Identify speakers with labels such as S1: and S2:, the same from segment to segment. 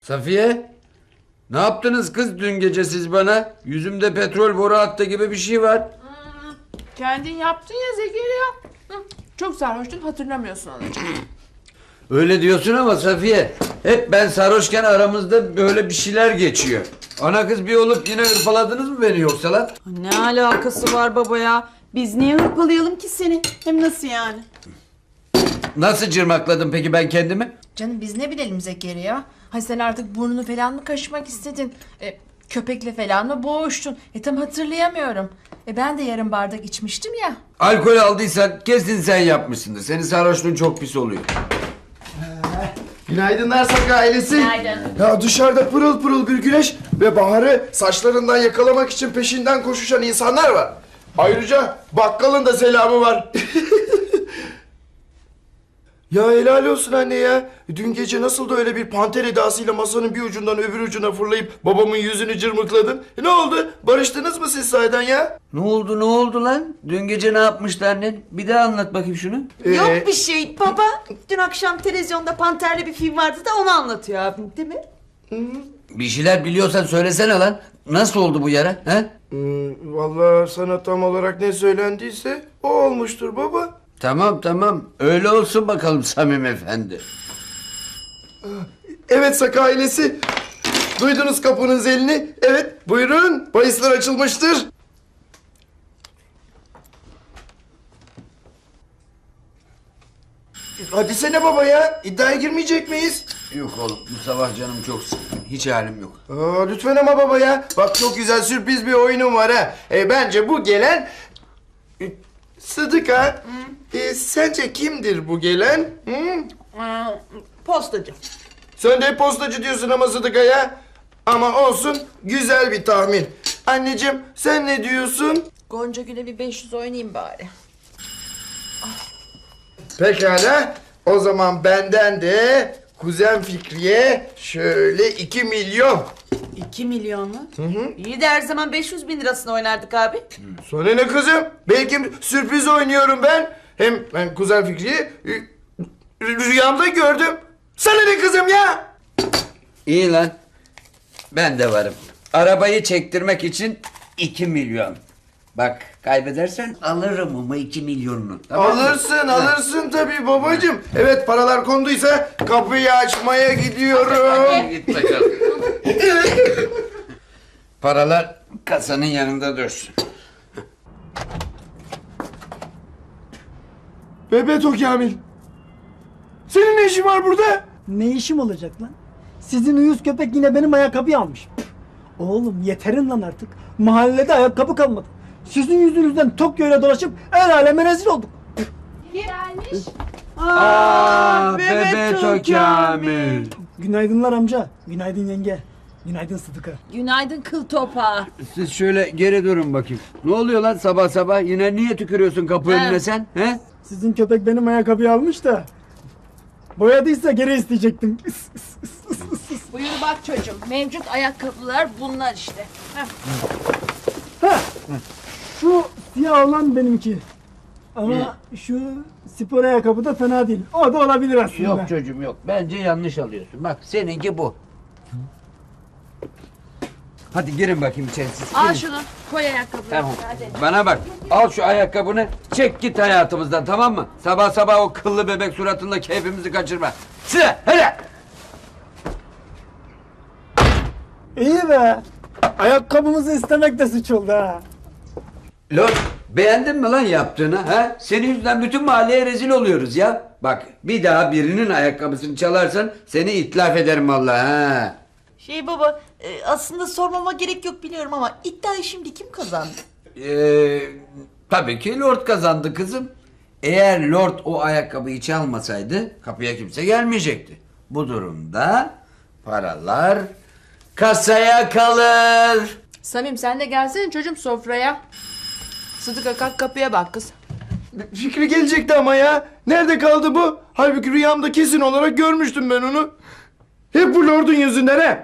S1: Safiye, ne yaptınız kız dün gece siz bana? Yüzümde petrol boru hattı gibi bir şey var.
S2: Kendin yaptın ya Zekeriya. Çok sarhoştun, hatırlamıyorsun anacığım.
S1: Öyle diyorsun ama Safiye, hep ben sarhoşken aramızda böyle bir şeyler geçiyor. Ana kız bir olup yine hırpaladınız mı beni yoksa lan?
S3: Ne alakası var baba ya? Biz niye hırpalayalım ki seni? Hem nasıl yani?
S1: Nasıl cırmakladım peki ben kendimi?
S2: Canım biz ne bilelim Zekeriya? Hay sen artık burnunu falan mı kaşımak istedin? Köpekle falan mı boğuştun? Tam hatırlayamıyorum. Ben de yarım bardak içmiştim ya.
S1: Alkol aldıysan kesin sen yapmışsındır. Senin sarhoşluğun çok pis oluyor.
S4: Günaydınlar Saka ailesi.
S2: Günaydın.
S4: Ya dışarıda pırıl pırıl bir güneş ve Bahar'ı saçlarından yakalamak için peşinden koşuşan insanlar var. Ayrıca bakkalın da selamı var. Ya helal olsun anne ya. Dün gece nasıl da öyle bir panter edasıyla masanın bir ucundan öbür ucuna fırlayıp babamın yüzünü cırmıkladın. Ne oldu? Barıştınız mı siz sahiden ya?
S1: Ne oldu lan? Dün gece ne yapmıştı annen? Bir daha anlat bakayım şunu.
S3: Yok bir şey baba. Dün akşam televizyonda Panter'li bir film vardı da onu anlatıyor abim değil mi?
S1: Bir şeyler biliyorsan söylesene lan. Nasıl oldu bu yara? He?
S4: Vallahi sana tam olarak ne söylendiyse o olmuştur baba.
S1: Tamam. Öyle olsun bakalım Samim Efendi.
S4: Evet Saka ailesi. Duydunuz kapının zilini. Evet buyurun. Bahisler açılmıştır. Hadi sene baba ya. İddiaya girmeyecek miyiz?
S1: Yok oğlum bu sabah canım çok sıkkın. Hiç halim yok.
S4: Lütfen ama baba ya. Bak çok güzel sürpriz bir oyunum var ha. Bence bu gelen... Sıdıka. Sence kimdir bu gelen?
S3: Postacı.
S4: Sen de hep postacı diyorsun ama Sıdıka ya. Ama olsun güzel bir tahmin. Anneciğim sen ne diyorsun?
S3: Gonca Gül'e bir 500 oynayayım bari.
S4: Pekala. O zaman benden de kuzen Fikriye şöyle 2 milyon.
S3: 2 milyon mu? İyi de her zaman 500 bin lirasını oynardık abi.
S4: Sonra ne kızım? Belki sürpriz oynuyorum ben. Hem ben kuzen Fikri'yi rüyamda gördüm. Sana ne kızım ya?
S1: İyi lan. Ben de varım. Arabayı çektirmek için 2 milyon. Bak kaybedersen alırım ama 2 milyonunu. Tamam mı?
S4: Alırsın tabii babacığım. Evet paralar konduysa kapıyı açmaya gidiyorum.
S1: Git bakalım. Paralar kasanın yanında dursun.
S4: Bebeto Kamil. Senin ne işin var burada?
S5: Ne işim olacak lan? Sizin uyuz köpek yine benim ayakkabıyı almış. Oğlum yeterin lan artık. Mahallede ayakkabı kalmadı. Sizin yüzünüzden Tokyo'yla dolaşıp el aleme rezil olduk.
S1: Bebeto Kamil.
S5: Günaydınlar amca. Günaydın yenge. Günaydın Sıdıka.
S3: Günaydın kıl topağı.
S1: Siz şöyle geri durun bakayım. Ne oluyor lan sabah sabah? Yine niye tükürüyorsun kapı önüne sen? He?
S5: Sizin köpek benim ayakkabıyı almış da. Boyadıysa geri isteyecektim.
S2: Buyur bak çocuğum. Mevcut ayakkabılar bunlar işte.
S5: Ha, şu siyah olan benimki. Ama şu spor ayakkabı da fena değil. O da olabilir aslında.
S1: Yok çocuğum yok. Bence yanlış alıyorsun. Bak seninki bu. Hadi girin bakayım içeri siz.
S2: Al
S1: Girin.
S2: şunu. Koy ayakkabıları.
S1: Tamam.
S2: Hadi.
S1: Bana bak. Al şu ayakkabını. Çek git hayatımızdan tamam mı? Sabah sabah o kıllı bebek suratınla keyfimizi kaçırma. Sıra hele.
S5: İyi be. Ayakkabımızı istemek de suç oldu ha.
S1: Lord beğendin mi lan yaptığını ha? Senin yüzünden bütün mahalleye rezil oluyoruz ya. Bak bir daha birinin ayakkabısını çalarsan seni itlaf ederim vallahi ha.
S3: Baba aslında sormama gerek yok biliyorum ama iddiayı şimdi kim kazandı?
S1: Tabii ki Lord kazandı kızım. Eğer Lord o ayakkabıyı çalmasaydı kapıya kimse gelmeyecekti. Bu durumda paralar kasaya kalır.
S2: Samim sen de gelsene çocuğum sofraya. Sıdıka kalk kapıya bak kız.
S4: Fikri gelecekti ama ya. Nerede kaldı bu? Halbuki rüyamda kesin olarak görmüştüm ben onu. Hep bu lordun yüzünden he.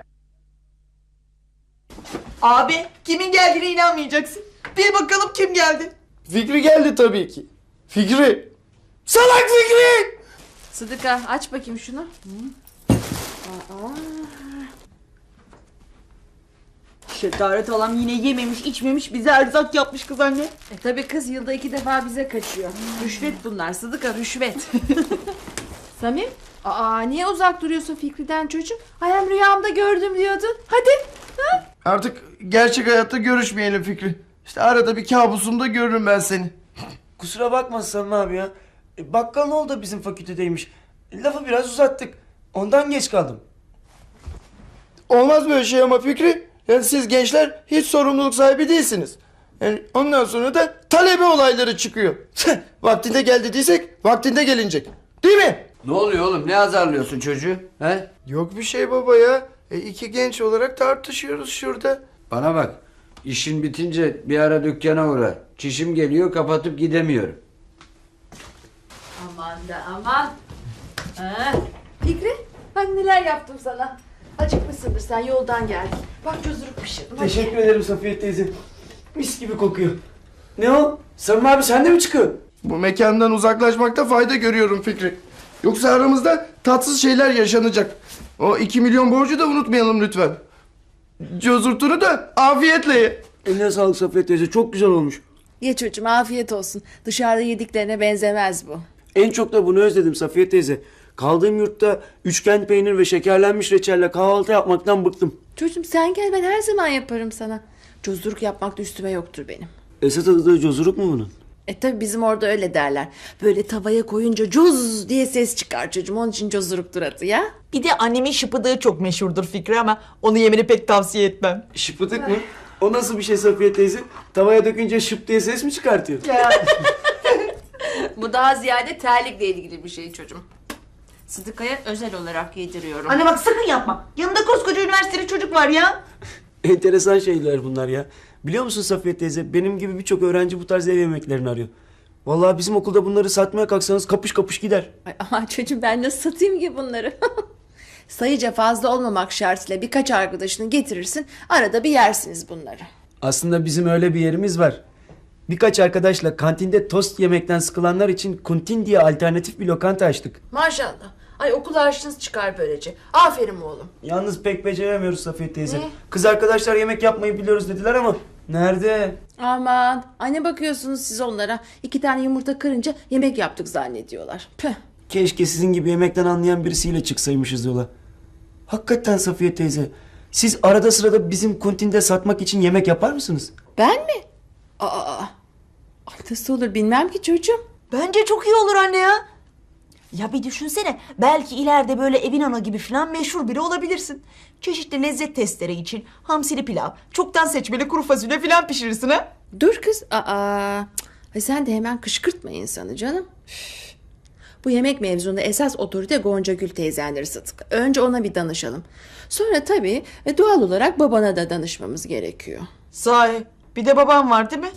S3: Abi kimin geldiğine inanmayacaksın. Bir bakalım kim geldi.
S4: Fikri geldi tabii ki. Fikri. Salak Fikri!
S2: Sıdıka aç bakayım şunu.
S3: Şetaret halam yine yememiş içmemiş bize erzak yapmış kız anne.
S2: Tabii kız yılda 2 defa bize kaçıyor. Rüşvet bunlar Sıdıka, rüşvet. Samim, niye uzak duruyorsun Fikri'den çocuğum? Hem rüyamda gördüm diyordun. Hadi. Ha?
S4: Artık gerçek hayatta görüşmeyelim Fikri. İşte arada bir kabusumda görürüm ben seni.
S6: Kusura bakma Samim abi ya. Bakkal oğlu da bizim fakültedeymiş. Lafı biraz uzattık. Ondan geç kaldım.
S4: Olmaz böyle şey ama Fikri. Yani siz gençler hiç sorumluluk sahibi değilsiniz. Yani ondan sonra da talebe olayları çıkıyor. Vaktinde gel dediysek vaktinde gelinecek. Değil mi?
S1: Ne oluyor oğlum? Ne azarlıyorsun çocuğu? He?
S4: Yok bir şey baba ya. İki genç olarak tartışıyoruz şurada.
S1: Bana bak. İşin bitince bir ara dükkana uğra. Çişim geliyor, kapatıp gidemiyorum.
S2: Aman da aman. Fikri, bak neler yaptım sana. Acıkmışsındır sen, yoldan geldin. Bak çözürük pişirdim. hadi.
S6: Teşekkür ederim Safiye teyze. Mis gibi kokuyor. Ne o? Samim abi sen de mi çıkıyorsun?
S4: Bu mekandan uzaklaşmakta fayda görüyorum Fikri. Yoksa aramızda tatsız şeyler yaşanacak. O 2 milyon borcu da unutmayalım lütfen. Cozurtunu da afiyetle ye.
S6: Eline sağlık Safiye teyze. Çok güzel olmuş.
S2: Ye çocuğum, afiyet olsun. Dışarıda yediklerine benzemez bu.
S6: En çok da bunu özledim Safiye teyze. Kaldığım yurtta üçgen peynir ve şekerlenmiş reçelle kahvaltı yapmaktan bıktım.
S2: Çocuğum sen gel, ben her zaman yaparım sana. Cozuruk yapmak da üstüme yoktur benim.
S6: Esat adı da cozuruk mu bunun?
S2: Tabi bizim orada öyle derler. Böyle tavaya koyunca coz diye ses çıkar çocuğum. Onun için cozuruktur adı ya.
S3: Bir de annemin şıpıdığı çok meşhurdur Fikri ama onu yemeni pek tavsiye etmem.
S6: Şıpıdık mı? O nasıl bir şey Safiye teyze? Tavaya dökünce şıp diye ses mi çıkartıyor?
S2: Bu daha ziyade terlikle ilgili bir şey çocuğum. Sıdıka'ya özel olarak yediriyorum.
S3: Anne bak sakın yapma. Yanında koskoca üniversiteli çocuk var ya.
S6: Enteresan şeyler bunlar ya. Biliyor musun Safiye teyze? Benim gibi birçok öğrenci bu tarz ev yemeklerini arıyor. Vallahi bizim okulda bunları satmaya kalksanız kapış kapış gider.
S2: Ay, aman çocuğum ben nasıl satayım ki bunları? Sayıca fazla olmamak şartıyla birkaç arkadaşını getirirsin. Arada bir yersiniz bunları.
S6: Aslında bizim öyle bir yerimiz var. Birkaç arkadaşla kantinde tost yemekten sıkılanlar için Kuntin diye alternatif bir lokanta açtık.
S2: Maşallah. Ay okul harçlığınız çıkar böylece. Aferin oğlum.
S6: Yalnız pek beceremiyoruz Safiye teyze.
S2: Ne?
S6: Kız arkadaşlar yemek yapmayı biliyoruz dediler ama nerede?
S2: Aman. Ay ne bakıyorsunuz siz onlara? 2 tane yumurta kırınca yemek yaptık zannediyorlar. Püh.
S6: Keşke sizin gibi yemekten anlayan birisiyle çıksaymışız yola. Hakikaten Safiye teyze, siz arada sırada bizim kuntinde satmak için yemek yapar mısınız?
S2: Ben mi? Ay, nasıl olur bilmem ki çocuğum.
S3: Bence çok iyi olur anne ya. Ya bir düşünsene belki ileride böyle evin ana gibi falan meşhur biri olabilirsin. Çeşitli lezzet testleri için hamsili pilav, çoktan seçmeli kuru fasulye falan pişirirsin ha.
S2: Dur kız. Ay sen de hemen kışkırtma insanı canım. Üf. Bu yemek mevzunda esas otorite Gonca Gül teyzenleri Sıtık. Önce ona bir danışalım. Sonra tabii doğal olarak babana da danışmamız gerekiyor.
S3: Sahi bir de babam var değil mi?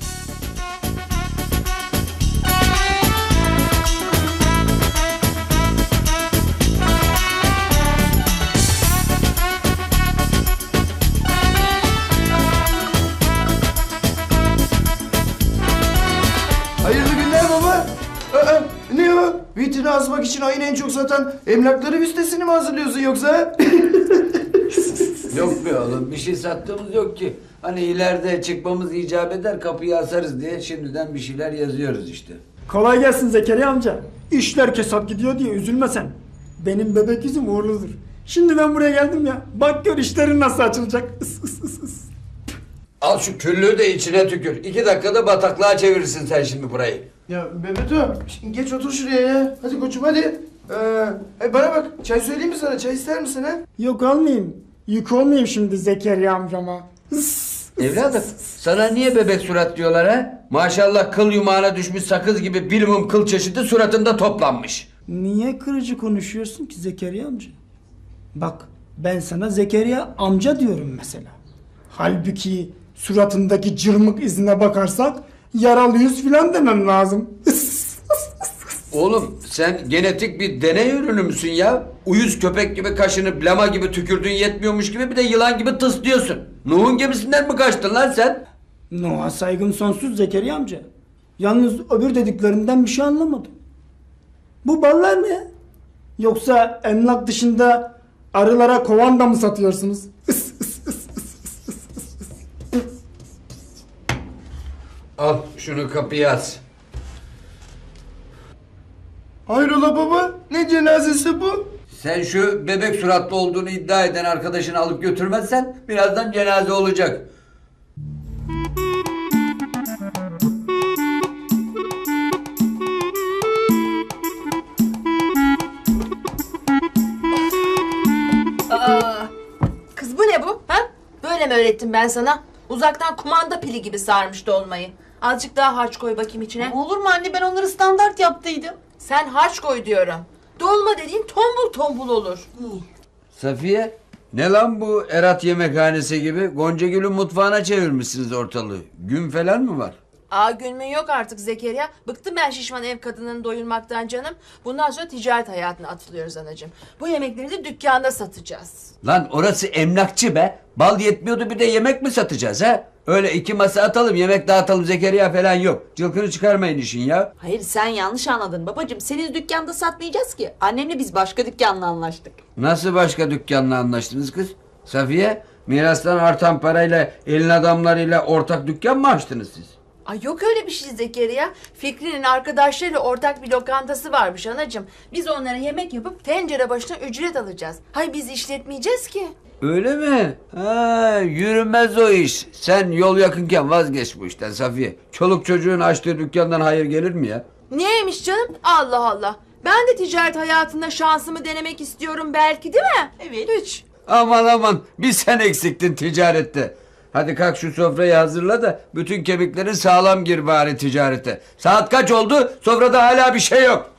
S4: Hayırlı günler baba. Ne o? Vitrine asmak için ayın en çok satan emlakları listesini mi hazırlıyorsun yoksa?
S1: Yok be oğlum, bir şey sattığımız yok ki. Hani ileride çıkmamız icap eder, kapıyı asarız diye şimdiden bir şeyler yazıyoruz işte.
S5: Kolay gelsin Zekeriya amca. İşler kesat gidiyor diye üzülme sen. Benim bebek yüzüm uğurludur. Şimdi ben buraya geldim ya. Bak gör işlerin nasıl açılacak. Is, is, is, is.
S1: Al şu küllüğü de içine tükür. 2 dakikada bataklığa çevirirsin sen şimdi burayı.
S4: Ya Bebeto, geç otur şuraya ya. Hadi koçum hadi. Bana bak, çay söyleyeyim mi sana? Çay ister misin ha?
S5: Yok almayayım. Yük olmayayım şimdi Zekeriya amcama.
S1: Evladım, sana niye bebek surat diyorlar ha? Maşallah kıl yumağına düşmüş sakız gibi bilimum kıl çeşidi suratında toplanmış.
S5: Niye kırıcı konuşuyorsun ki Zekeriya amca? Bak ben sana Zekeriya amca diyorum mesela. Halbuki suratındaki cırmık izine bakarsak yaralı yüz filan demem lazım.
S1: Oğlum sen genetik bir deney ürünü müsün ya? Uyuz köpek gibi kaşını lama gibi tükürdüğün yetmiyormuş gibi bir de yılan gibi tıslıyorsun. Nuh'un gemisinden mi kaçtın lan sen?
S5: Noah'a saygım sonsuz Zekeriya amca. Yalnız öbür dediklerinden bir şey anlamadım. Bu ballar ne? Yoksa emlak dışında arılara kovan da mı satıyorsunuz?
S1: Şunu kapıya as.
S4: Hayrola baba? Ne cenazesi bu?
S1: Sen şu bebek suratlı olduğunu iddia eden arkadaşını alıp götürmezsen birazdan cenaze olacak.
S2: Aa, kız bu ne bu? Ha? Böyle mi öğrettim ben sana? Uzaktan kumanda pili gibi sarmış dolmayı. Azıcık daha harç koy bakayım içine.
S3: Olur mu anne, ben onları standart yaptıydım.
S2: Sen harç koy diyorum. Dolma dediğin tombul tombul olur.
S1: Safiye, ne lan bu Erat yemekhanesi gibi? Goncagül'ün mutfağına çevirmişsiniz ortalığı. Gün falan mı var?
S2: Aa gülmün yok artık Zekeriya. Bıktım ben şişman ev kadınını doyurmaktan canım. Bundan sonra ticaret hayatına atılıyoruz anacığım. Bu yemekleri de dükkanda satacağız.
S1: Lan orası emlakçı be. Bal yetmiyordu bir de yemek mi satacağız ha? Öyle iki masa atalım yemek dağıtalım Zekeriya falan yok. Cılkını çıkarmayın işin ya.
S3: Hayır, sen yanlış anladın babacığım. Senin dükkanda satmayacağız ki. Annemle biz başka dükkanla anlaştık.
S1: Nasıl başka dükkanla anlaştınız kız? Safiye, mirastan artan parayla elin adamlarıyla ortak dükkan mı açtınız siz?
S2: Ay yok öyle bir şey Zekeriya. Fikri'nin arkadaşlarıyla ortak bir lokantası varmış anacığım. Biz onlara yemek yapıp tencere başına ücret alacağız. Hay biz işletmeyeceğiz ki.
S1: Öyle mi? Ha, yürümez o iş. Sen yol yakınken vazgeç bu işten Safiye. Çoluk çocuğun açtığı dükkandan hayır gelir mi ya?
S2: Niyeymiş canım? Allah Allah. Ben de ticaret hayatında şansımı denemek istiyorum belki değil mi?
S3: Evet.
S2: Hiç.
S1: Aman aman bir sen eksiktin ticarette. Hadi kalk şu sofrayı hazırla da bütün kemiklerin sağlam gir bari ticarete. Saat kaç oldu? Sofrada hala bir şey yok.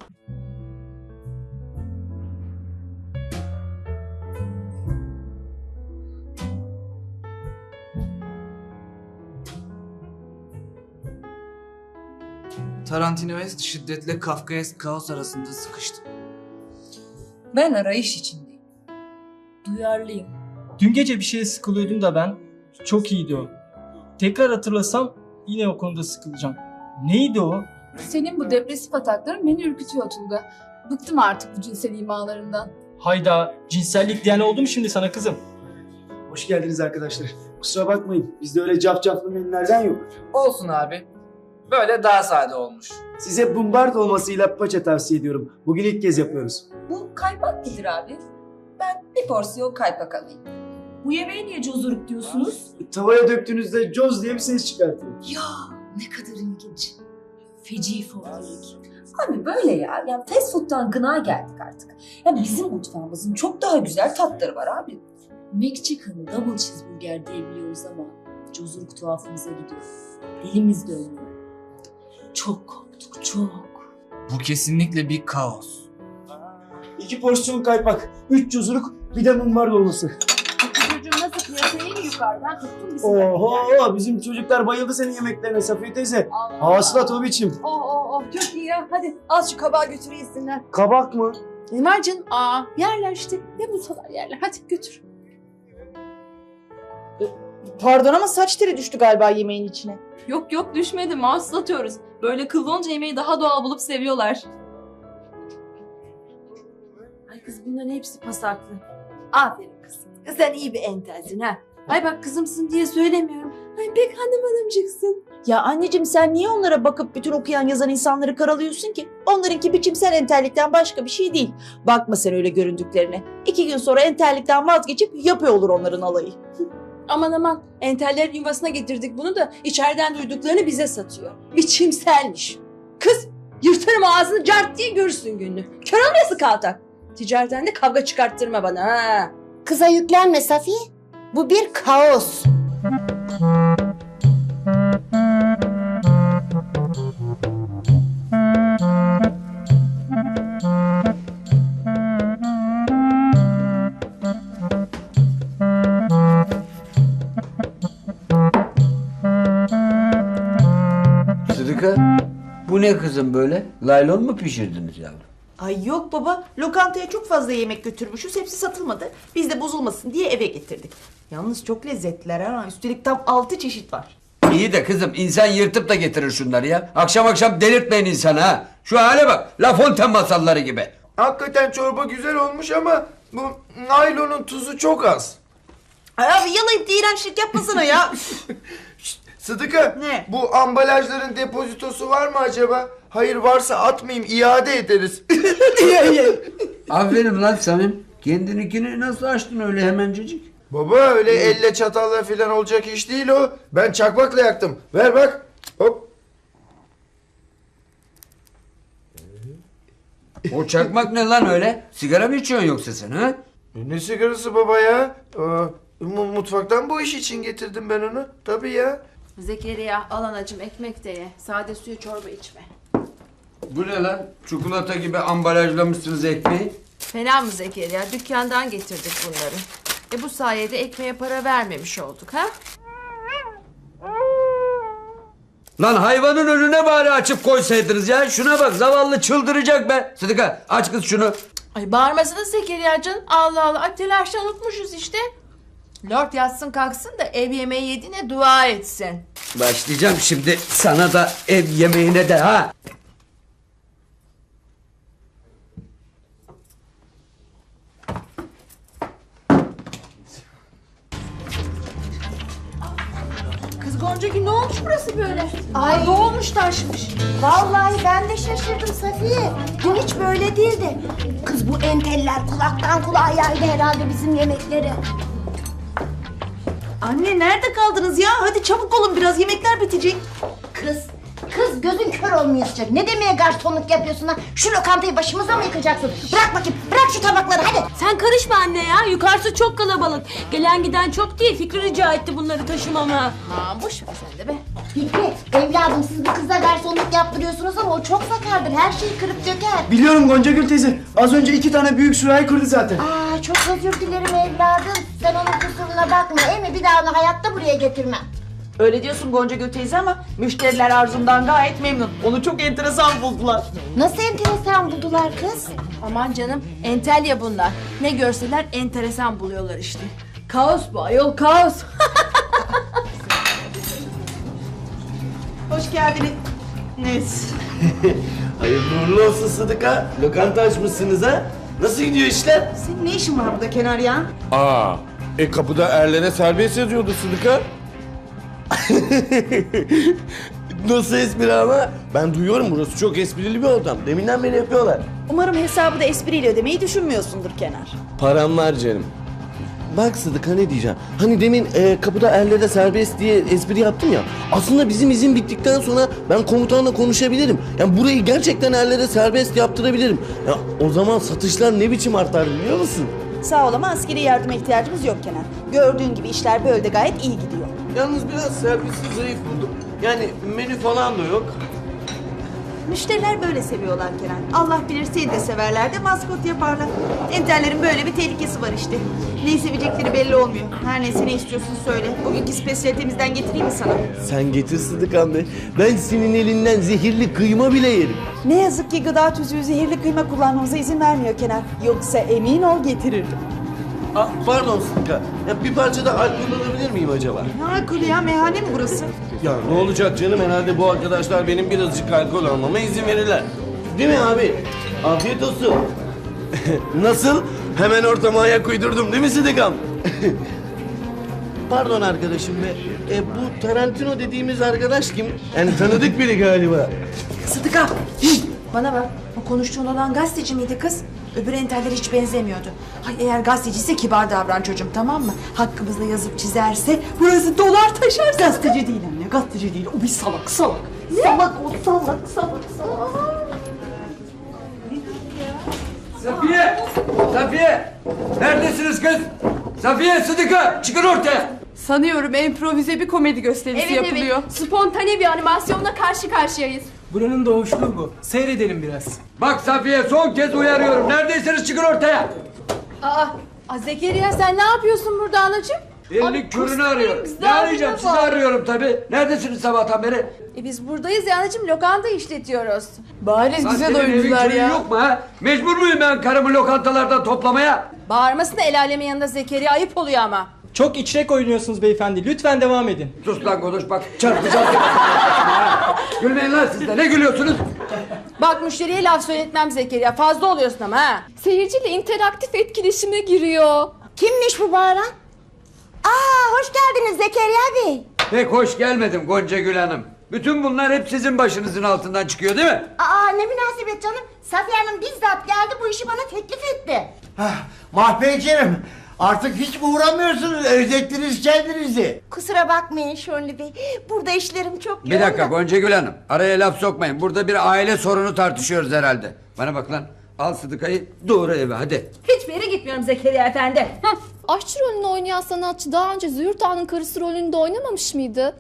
S7: Tarantinoesk şiddetle Kafkaesk kaos arasında sıkıştım.
S8: Ben arayış içindeyim. Duyarlıyım.
S5: Dün gece bir şeye sıkılıyordum da ben. Çok iyiydi o. Tekrar hatırlasam yine o konuda sıkılacağım. Neydi o?
S8: Senin bu depresif atakların beni ürkütüyor Tulga. Bıktım artık bu cinsel imalarından.
S5: Hayda, cinsellik diyen oldu mu şimdi sana kızım?
S6: Hoş geldiniz arkadaşlar. Kusura bakmayın. Bizde öyle cafcaflı menülerden yok.
S7: Olsun abi. Böyle daha sade olmuş.
S6: Size bumbar dolmasıyla paça tavsiye ediyorum. Bugün ilk kez yapıyoruz.
S8: Bu kaypak nedir abi? Ben bir porsiyon kaypak alayım. Bu yemeğe niye cozuruk diyorsunuz?
S6: Tavaya döktüğünüzde coz diye bir ses çıkartıyor.
S8: Ya ne kadar ilginç. Feci folklorik. Abi böyle ya. Ya fast food'dan gına geldik artık. Ya bizim mutfağımızın çok daha güzel tatları var abi. McChicken, double cheeseburger diyebiliyoruz ama cozuruk tuhafımıza gidiyor. Dilimiz dönüyor. Çok korktuk, çok.
S7: Bu kesinlikle bir kaos.
S6: 2 porsiyon kaypak, 3 cozuruk, bir de mumbar dolması.
S2: Çocuğum nasıl piyasaya en yukarıdan tuttun bizi.
S6: Oho, bizim çocuklar bayıldı senin yemeklerine Safiye teyze. Hasılat o biçim.
S2: Çok iyi ya. Hadi al şu kabağı götür yesinler.
S6: Kabak mı?
S2: Var canım. Yerler işte. Ne bulsalar yerler. Hadi götür.
S3: Pardon ama saç teri düştü galiba yemeğin içine.
S9: Yok düşmedi, mouse atıyoruz. Böyle kıllı olunca yemeği daha doğal bulup seviyorlar.
S2: Ay kız bunların hepsi pasaklı. Aferin kızım. Sen iyi bir entelsin ha. Ay bak kızımsın diye söylemiyorum. Ay pek hanımcıksın.
S3: Ya anneciğim, sen niye onlara bakıp bütün okuyan yazan insanları karalıyorsun ki? Onlarınki biçimsel entellikten başka bir şey değil. Bakma sen öyle göründüklerine. 2 gün sonra entellikten vazgeçip yapıyor olur onların alayı.
S2: Aman entellerin yuvasına getirdik bunu da içeriden duyduklarını bize satıyor. Biçimselmiş. Kız yırtarım ağzını cart diye görürsün gününü. Kör olmayası kaltak. Ticaretten de kavga çıkarttırma bana ha.
S10: Kıza yüklenme Safiye. Bu bir kaos.
S1: Sıdıka, bu ne kızım böyle? Laylon mu pişirdiniz yavrum?
S3: Ay yok baba, lokantaya çok fazla yemek götürmüşüz, hepsi satılmadı. Biz de bozulmasın diye eve getirdik. Yalnız çok lezzetliler ha, üstelik tam 6 çeşit var.
S1: İyi de kızım insan yırtıp da getirir şunları ya. Akşam akşam delirtmeyin insanı ha. Şu hale bak, La Fontaine masalları gibi.
S4: Hakikaten çorba güzel olmuş ama bu naylonun tuzu çok az.
S3: Ay abi yalayıp da iğrençlik yapmasana ya.
S4: Sıdıka,
S3: Ne?
S4: bu ambalajların depozitosu var mı acaba? Hayır, varsa atmayayım, iade ederiz.
S1: Aferin lan Samim. Kendininkini nasıl açtın öyle hemencecik?
S4: Baba öyle elle çatalla falan olacak iş değil o. Ben çakmakla yaktım. Ver bak. Hop.
S1: O çakmak ne lan öyle? Sigara mı içiyorsun yoksa sen ha?
S4: Ne sigarası baba ya? Mutfaktan bu iş için getirdim ben onu. Tabii ya.
S2: Zekeriya al anacığım ekmek de ye. Sade suyu çorba içme.
S1: Bu ne lan? Çikolata gibi ambalajlamışsınız ekmeği.
S2: Fena mı Zekeriya? Dükkandan getirdik bunları. Bu sayede ekmeğe para vermemiş olduk ha?
S1: Lan hayvanın önüne bari açıp koysaydınız ya. Şuna bak zavallı çıldıracak be. Sıdıka aç kız şunu.
S2: Ay bağırmasana Zekeriya canım. Allah Allah. Ay telaşla unutmuşuz işte. Lord yatsın kalksın da ev yemeği yediğine dua etsin.
S1: Başlayacağım şimdi sana da ev yemeğine de ha.
S2: Kız Goncagül ne olmuş burası böyle? Ay doğmuş taşmış.
S10: Vallahi ben de şaşırdım Safiye. Dün hiç böyle değildi. Kız bu enteller kulaktan kulağa yaydı herhalde bizim yemekleri.
S3: Anne nerede kaldınız ya? Hadi çabuk olun biraz yemekler bitecek.
S10: Kız gözün kör olmayacak. Ne demeye garsonluk yapıyorsun ha? Şu lokantayı başımıza mı yıkacaksın? Bırak bakayım, bırak şu tabakları hadi.
S9: Sen karışma anne ya. Yukarısı çok kalabalık. Gelen giden çok değil. Fikri rica etti bunları taşımama.
S2: Ha boş ver sen de be.
S10: Fikri, evladım siz bu kıza garsonluk yaptırıyorsunuz ama o çok sakardır. Her şeyi kırıp döker.
S5: Biliyorum Goncagül teyze. Az önce 2 tane büyük sürahi kırdı zaten.
S10: Aa çok özür dilerim evladım. Sen onun kusuruna bakma. Emi bir daha onu hayatta buraya getirmem.
S3: Öyle diyorsun Goncagül teyze ama müşteriler Arzum'dan gayet memnun. Onu çok enteresan buldular.
S10: Nasıl enteresan buldular kız?
S2: Aman canım entel ya bunlar. Ne görseler enteresan buluyorlar işte. Kaos bu ayol kaos.
S3: Hoş geldiniz. Neyse.
S6: Hayırlı uğurlu olsun Sıdıka. Lokanta açmışsınız ha. Nasıl gidiyor işler?
S3: Senin ne işin var burada Kenar ya?
S4: Kapıda erlere serbest yazıyordu Sıdıka.
S6: Nasıl espri ama? Ben duyuyorum burası çok esprili bir ortam. Deminden beri yapıyorlar.
S3: Umarım hesabı da espriyle ödemeyi düşünmüyorsundur Kenar.
S6: Param var canım. Bak Sıdıka ne diyeceğim. Hani demin kapıda erlere serbest diye espri yaptım ya. Aslında bizim izin bittikten sonra ben komutanla konuşabilirim. Yani burayı gerçekten erlere serbest yaptırabilirim. Ya o zaman satışlar ne biçim artar biliyor musun?
S3: Sağ ol ama askeri yardıma ihtiyacımız yok Kenar. Gördüğün gibi işler böyle de gayet iyi gidiyor.
S6: Yalnız biraz servisi zayıf buldum. Yani menü falan da yok.
S3: Müşteriler böyle seviyorlar Kenan. Allah bilir seni de severler de maskot yaparlar. Enterlerin böyle bir tehlikesi var işte. Neyi sevecekleri belli olmuyor. Her neyse ne istiyorsun söyle. Bugünkü spesiyalitemizden getireyim mi sana?
S6: Sen getir Sıdıkan be. Ben senin elinden zehirli kıyma bile yerim.
S3: Ne yazık ki gıda tüzüğü zehirli kıyma kullanmamıza izin vermiyor Kenan. Yoksa emin ol getirirdim.
S6: Pardon Sıdıka. Ya bir parça da alkol alabilir miyim acaba?
S3: Ne alkolü ya? Meyhane mi burası?
S6: Ya ne olacak canım, herhalde bu arkadaşlar benim birazcık alkol almama izin verirler. Değil mi abi? Afiyet olsun. Nasıl? Hemen ortama ayak uydurdum değil mi Sıdıkam? Pardon arkadaşım be. Bu Tarantino dediğimiz arkadaş kim? Yani tanıdık biri galiba.
S2: Sıdıka. Bana bak. O konuştuğun olan gazeteci miydi kız? Öbür enteller hiç benzemiyordu. Hay eğer gazeteciyse kibar davran çocuğum tamam mı? Hakkımızda yazıp çizerse burası dolar taşar.
S3: Gazeteci değil anne, gazeteci değil. O bir salak, salak. Salak o, salak, salak, salak.
S1: Safiye! Safiye! Neredesiniz kız? Safiye, Sıdıka çıkın ortaya.
S9: Sanıyorum improvize bir komedi gösterisi yapılıyor.
S11: Evet. Spontane bir animasyonla karşı karşıyayız.
S5: Buranın doğuşluğu bu. Seyredelim biraz.
S1: Bak Safiye son kez uyarıyorum. Neredeyseniz çıkın ortaya.
S2: Aa, Zekeriya sen ne yapıyorsun burada anacığım?
S1: Elini körünü arıyorum. Ne arayacağım? Sizi arıyorum tabii. Neredesiniz sabahtan beri?
S2: Biz buradayız ya anacığım lokanta işletiyoruz.
S9: Bariz
S1: Lan
S9: bize
S1: senin evin
S9: doyurdular
S1: köyün
S9: ya.
S1: yok mu ha? Mecbur muyum ben karımı lokantalardan toplamaya?
S2: Bağırmasın da el alemin yanında Zekeriya ayıp oluyor ama.
S5: Çok içrek oynuyorsunuz beyefendi. Lütfen devam edin.
S1: Sus lan konuş bak çarpacağız. Gülmeyin lan siz de ne gülüyorsunuz?
S2: Bak müşteriye laf söyletmem Zekeriya fazla oluyorsun ama ha.
S11: Seyirciyle interaktif etkileşime giriyor.
S10: Kimmiş bu bağıran? Aa hoş geldiniz Zekeriya Bey.
S1: Pek hoş gelmedim Gonca Gül Hanım. Bütün bunlar hep sizin başınızın altından çıkıyor değil mi?
S10: Aa ne münasebet canım. Safiye Hanım bizzat geldi bu işi bana teklif etti.
S12: Mahpeyciğim artık hiç mi uğramıyorsunuz? Özlettiniz kendinizi.
S10: Kusura bakmayın Şönlü Bey. Burada işlerim çok
S1: Bir dakika Gonca Gül Hanım. Araya laf sokmayın. Burada bir aile sorunu tartışıyoruz herhalde. Bana bak lan. Al Sıdıka'yı doğru eve hadi.
S8: Hiçbir yere gitmiyorum Zekeriya Efendi.
S11: Aşçı rolünü oynayan sanatçı daha önce Züğürt Ağa'nın karısı rolünde oynamamış mıydı?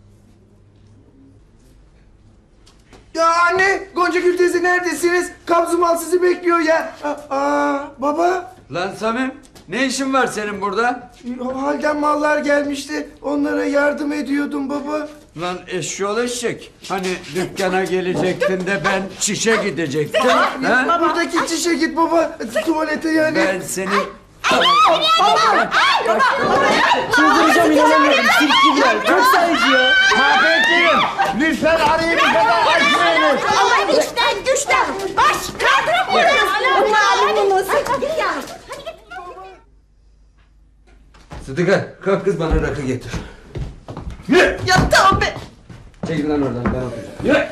S4: Ya anne, Gonca Gül teyze neredesiniz? Kabzumal sizi bekliyor ya. Baba.
S1: Lan Samim ne işin var senin burada?
S4: Halden mallar gelmişti. Onlara yardım ediyordum baba.
S1: Lan eşşoğlu eşek. Hani dükkana gelecektin de ben çişe gidecektim. ha?
S4: Buradaki çişe git baba. Tuvalete yani.
S1: Ben seni...
S12: Çıldıracağım inanamıyorum. Sirkçiler. Çok sayıcı ya. Mahpeyciğim lütfen arayı bu kadar açmayınız.
S10: Aman güçten. Baş kaldıramıyoruz. Malumunuz. Hadi ya.
S1: Sıdıka kalk kız bana rakı getir.
S3: Ya tamam be.
S1: Çekil lan oradan ben okuyacağım. Yürü.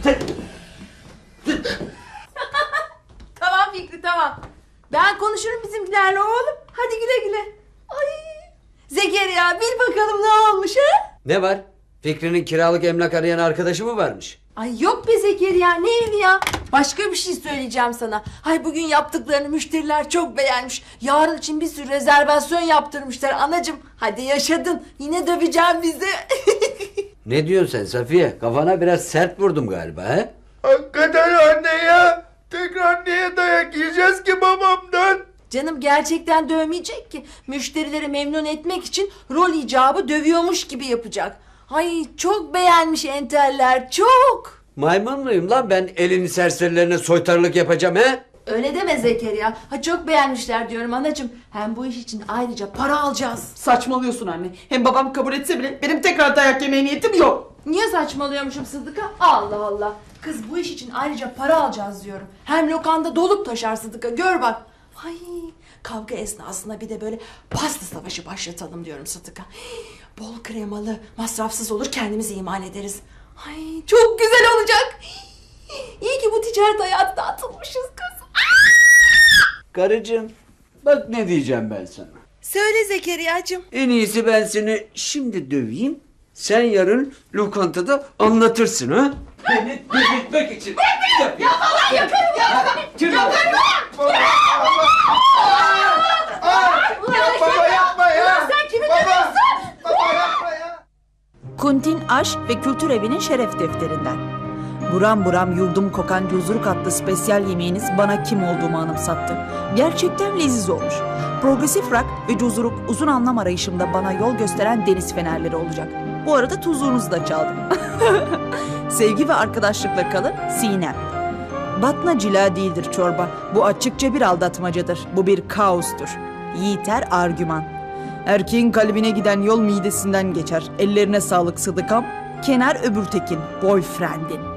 S2: Tamam Fikri tamam. Ben konuşurum bizimkilerle oğlum. Hadi güle güle. Ay. Zekeriya bil bakalım ne olmuş ha?
S1: Ne var? Fikri'nin kiralık emlak arayan arkadaşı mı varmış?
S2: Ay yok be Zekeriya ne evi ya? Başka bir şey söyleyeceğim sana. Hay bugün yaptıklarını müşteriler çok beğenmiş. Yarın için bir sürü rezervasyon yaptırmışlar anacığım. Hadi yaşadın. Yine döveceğim bizi.
S1: Ne diyorsun sen Safiye? Kafana biraz sert vurdum galiba he?
S4: Hakikaten anne ya. Tekrar niye dayak yiyeceğiz ki babamdan?
S2: Canım gerçekten dövmeyecek ki. Müşterileri memnun etmek için rol icabı dövüyormuş gibi yapacak. Ay çok beğenmiş enteller çok.
S1: Maymun muyum lan ben elini serserilerine soytarılık yapacağım he?
S2: Öyle deme Zekeriya. Ha çok beğenmişler diyorum anacığım. Hem bu iş için ayrıca para alacağız.
S3: Saçmalıyorsun anne. Hem babam kabul etse bile benim tekrar dayak yemeye niyetim yok.
S2: Niye saçmalıyormuşum Sıdıka? Allah Allah. Kız bu iş için ayrıca para alacağız diyorum. Hem lokanda dolup taşar Sıdıka gör bak. Ay kavga esnasında bir de böyle pasta savaşı başlatalım diyorum Sıdıka. Bol kremalı, masrafsız olur kendimizi imal ederiz. Ay çok güzel olacak. İyi ki bu ticaret hayatına atılmışız kız.
S1: Karıcığım bak ne diyeceğim ben sana.
S2: Söyle Zekeriya'cığım.
S1: En iyisi ben seni şimdi döveyim. Sen yarın lokantada anlatırsın ha? Beni delirtmek için. Ya falan yaparım ya.
S4: Baba yapma ya.
S10: Sen kimi
S4: Baba yapma ya.
S3: Kuntin Aşk ve Kültür Evi'nin şeref defterinden. Buram buram yurdum kokan cuzuruk adlı spesyal yemeğiniz bana kim olduğumu anımsattı. Gerçekten leziz olmuş. Progresif rock ve cuzuruk uzun anlam arayışımda bana yol gösteren deniz fenerleri olacak. Bu arada tuzluğunuzu da çaldım. Sevgi ve arkadaşlıkla kalın Sinem. Batna cila değildir çorba. Bu açıkça bir aldatmacadır. Bu bir kaostur. Yiğiter argüman. Erkeğin kalbine giden yol midesinden geçer. Ellerine sağlık Sıdıkam. Kenar Öbürtekin, boyfriendin.